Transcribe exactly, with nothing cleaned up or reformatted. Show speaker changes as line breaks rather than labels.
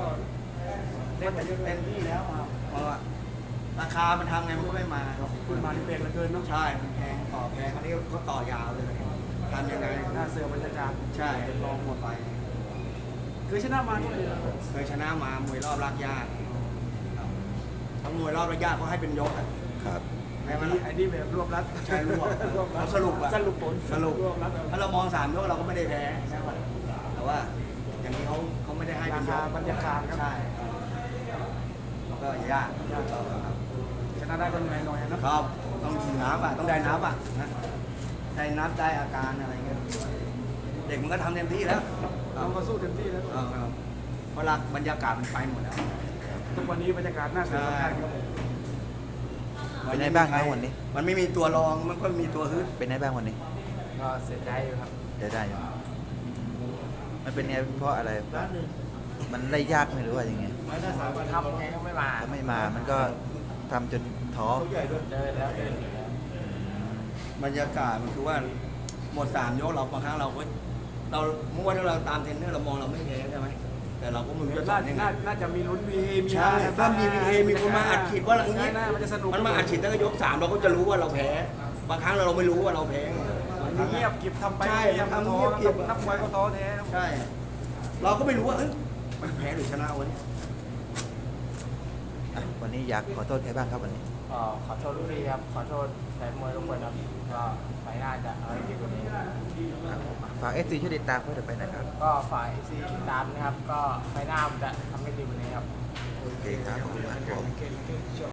เล่นไปเยอะเต็มที่แล้วครับเพราะว่าราคามันทำไงมันก็ไม่มาครับ
คุณมาที่เบรกเหลือเกินเนาะ
ใช่มันแพงต่อแพงคราวนี้ก็ต่อยาวเลยทำยังไง
หน้าเสือบรรยากาศ
ใช่ลองหมดไป
คือชนะมาด้วย
เคยชนะมามวยรอบรากหญ้าครับทั้งมวยรอบรากหญ้าเขาให้เป็นยกอะ
ครับ
แม้มัน
ไอ้นี่แบบรวบรัด
ใช่รวบ
รวบรัด
สรุปอะ
สรุปผล
สรุป
รวบรัด
ถ้าเรามองสามยกเราก็ไม่ได้แพ้ใช่ไหมแต่ว่าอย่างนี้เขาเขาไม่ได้ให้
รา
เป็นย
คาก บรรยากาศครับ
ใช่แล้วก็ยากยากครับ
ชนะได้ก็เหนื่อยหน่อยนะครับ
ต้องนับอ่ะต้องได้นับอ่ะนะได้นับได้อาการอะไรเงี้ยเด็กมันก็ทำเต็มที่แล้ว
เราก็สู้เต็มที่แล้ว
เออครับเพราะหลักบรรยากาศมันไปหมดแล้ว
ทุกวันนี้บรรยากาศน่าสนใจครับผม
เป็นไงบ้างครับวันนี้
มันไม่มีตัวรองมันก็มีตัวฮึด
เป็นไงบ้างวันนี้
ก็เสียใจอยู่ครับ
จะได้อยู่มันเป็นไงเพราะอะไร มันได้ยากไหมหรือว่ายังไง
ไม่ได้สามวันทำไงก็ไม่มา
ถ้าไม่มามันก็ทำจนท้อ
เดินแล้วเดิน
บรรยากาศมันคือว่าหมดสามยกเราบางครั้งเราก็เราเมื่อวานที่เราตามเทรนเนอร์เรามองเราไม่แพ้ใช่ไหมแต่เราก็ไม่รู้จะ
น่า
ทำยังไง
น่าน่าจะมีลุ้นมีมี
ใช่ถ้ามีมีเอมีคนมาอัดฉีดว่าอย่างนี้
น่ามันจะสนุก
มันมาอัดฉีดตั้งแต่ยกสามเราก็จะรู้ว่าเราแพ้ บางครั้งเราไม่รู้ว่าเราแพ้ไง
มันเงียบกิบทำไป
ใช่
เงียบ
ทำ
ท้อ
เงียบกิบ
นักมวยก็ท้อแท้ครับ
ใช่ เราก็ไม่รู้ว่าเอ้ยมันแพ้หรือชนะวันนี้
อ่ะวันนี้อยากขอโทษใครบ้างครับวันนี้
ก็ขอโทษลูกพี่ครับ ขอโทษแฟนมวยทุกคนครับ ก็ไปหน้าจะเอาให้ดีกว่านี้ครับ
ครับผมอ่ะฝากเอฟซีช่วยติดตามเพื่อจะไปนะครับ
ก็ฝ่ายซีติดตามนะครับ ก็ไปหน้าจะทำให้ดีกว่านี้ครับ
โอเคครับขอบคุณมากครับผม